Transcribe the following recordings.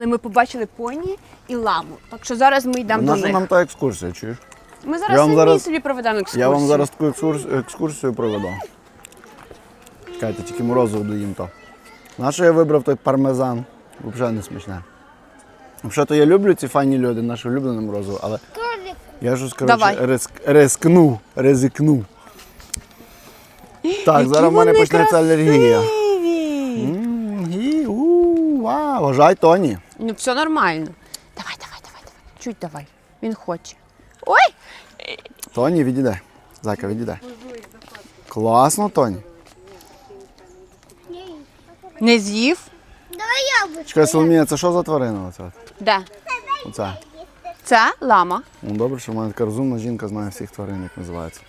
Ми побачили поні і ламу. Так що зараз ми йдемо до Наша них. нам та екскурсія, чуєш? Ми зараз собі проведемо екскурсію. Я вам зараз таку екскурсію проведу. Чекайте, тільки морозиво доїм то. Нащо я вибрав той пармезан? Взагалі не смачне. Взагалі-то я люблю ці файні льоди, наше улюблене морозиво, але я ж, коротше, ризикну. Так, зараз в мене почнеться алергія. Вау, вважай, Тоні. Ну, все нормально. Давай. Чуть давай. Він хоче. Ой! Тоні, відійде. Зайка, відійде. Класно, Тоні. Не з'їв? Давай яблучко. Чекай, Соломія, це що за тварина? Оце? Де? Оце. Це лама. Ну, добре, що в мене така розумна жінка знає всіх тварин, як називається.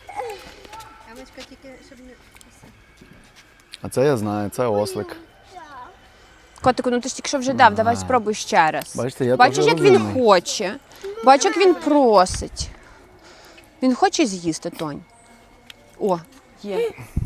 А це я знаю, це ослик. Котику, ну ти ж тільки що вже дав, давай спробуй ще раз. Бачите, я Бачиш, теж як він розумний. хоче. Бачиш, як він просить. Він хоче з'їсти, Тонь. О, є.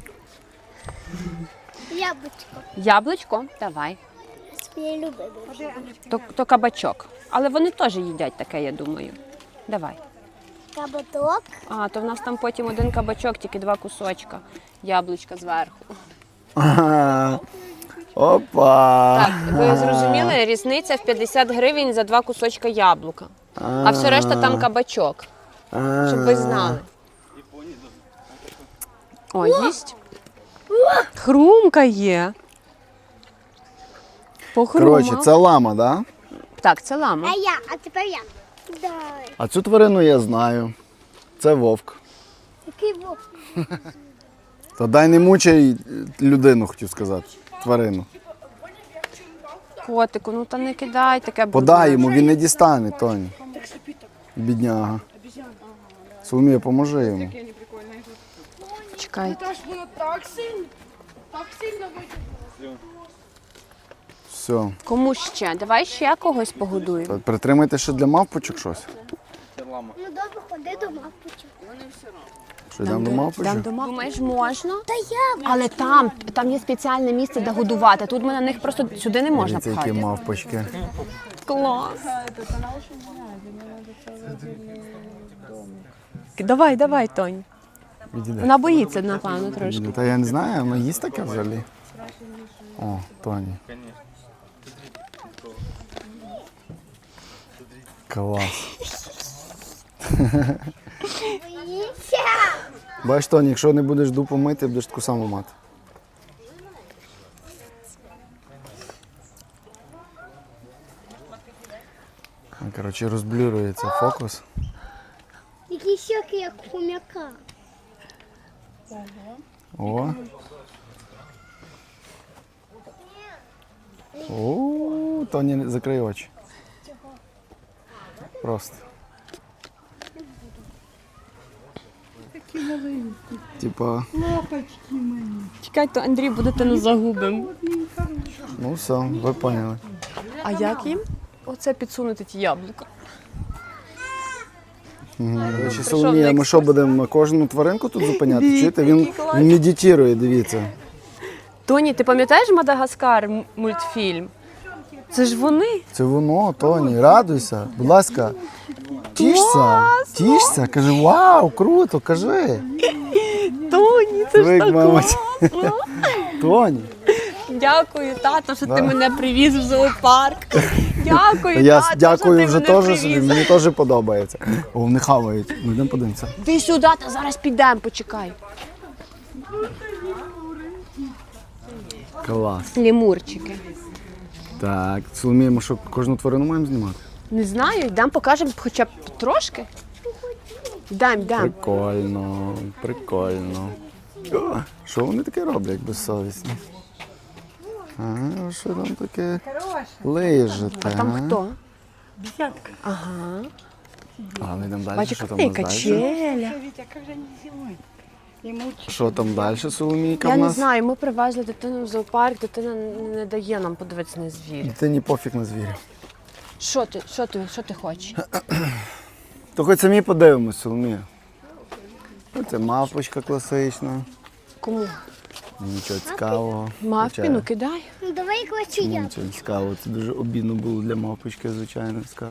Яблучко. Яблучко? Давай. Я люблю. То кабачок. Але вони теж їдять таке, я думаю. Давай. Кабаток. А, то в нас там потім один кабачок, тільки 2 кусочка. Яблучка зверху. Ага. Опа! Так, ви зрозуміли, різниця в 50 гривень за 2 кусочка яблука. А все решта там кабачок. Щоб ви знали. О, їсть. Хрумкає. Похрумав. Коротше, це лама, так? Да? Так, це лама. А тепер я. Давай. А цю тварину я знаю. Це вовк. Який вовк? То дай не мучай людину, хотів сказати. Тварину. Котику, ну та не кидай таке. Подай йому, він не дістане, Тоні. Бідняга. Соломія, поможи йому. Чекай. Воно так сильно витягнуло. Все. Кому ще? Давай ще когось погодуємо. Притримайте ще для мавпочок щось. Ну добре, ходи до мавпочок. Що, йдемо до мавпочок? Думаєш, можна? Та я. Але там є спеціальне місце, де годувати. Тут ми на них просто сюди не можна Дивіться, які пхати. мавпочки. Клас. Давай, Тонь. Відійде. Вона боїться, напевно, трошки. Та я не знаю, вона їсть таке взагалі. О, Тоні. Клас. Боїшся. Бачиш, Тоні, якщо не будеш дупу мити, будеш таку саму мати. Коротше, розблюрується фокус. Які щоки, як у хомяка. О. О, Тоні, закрий очі. Просто. Такі маленькі. Типа, Лапочки мої. Чекай, то Андрій буде те загубим. ну все, ви поняли. А як їм? Оце підсунути ті яблука. До речі, Соломія, ми що будемо кожну тваринку тут зупиняти? Чуєте? Він медитує, дивіться. Тоні, ти пам'ятаєш Мадагаскар мультфільм? Це ж вони. Це воно, Тоні, радуйся, будь ласка. Тішся, кажи, вау, круто, кажи. Тоні, це ж Звик, так мабуть. класно. Тоні. Дякую, тато, що Да. ти мене привіз в зоопарк. Дякую, Та я тато, дякую що вже ти мене теж собі, привіз. мені теж подобається. О, вони хавають. Ну йдемо подивимося. Ти сюди, та зараз підемо, почекай. Клас. Лемурчики. Так, Соломія, ми що, кожну тварину маємо знімати? Не знаю, йдемо покажемо хоча б трошки. Йдемо. Прикольно. О, що вони таке роблять безсовісні? А, що там таке лежите? Там хто? Бесятка. Ага. А, ми йдемо далі, Бачиш, що там яка у нас далі? качеля. Вітя, як же не зимой? Йому Що там далі, Соломійка, Я в не нас? знаю, ми привезли дитину в зоопарк, дитина не дає нам подивитися на звірів. Дитині пофіг на звірів. Що ти хочеш? То хоч самі подивимось, Соломія. Це мавпочка класична. Кому? Нічого цікавого. Мавпі, ну кидай. Ну давай клачу Чому я. нічого цікавого? Це дуже обідно було для мавпочки, звичайно.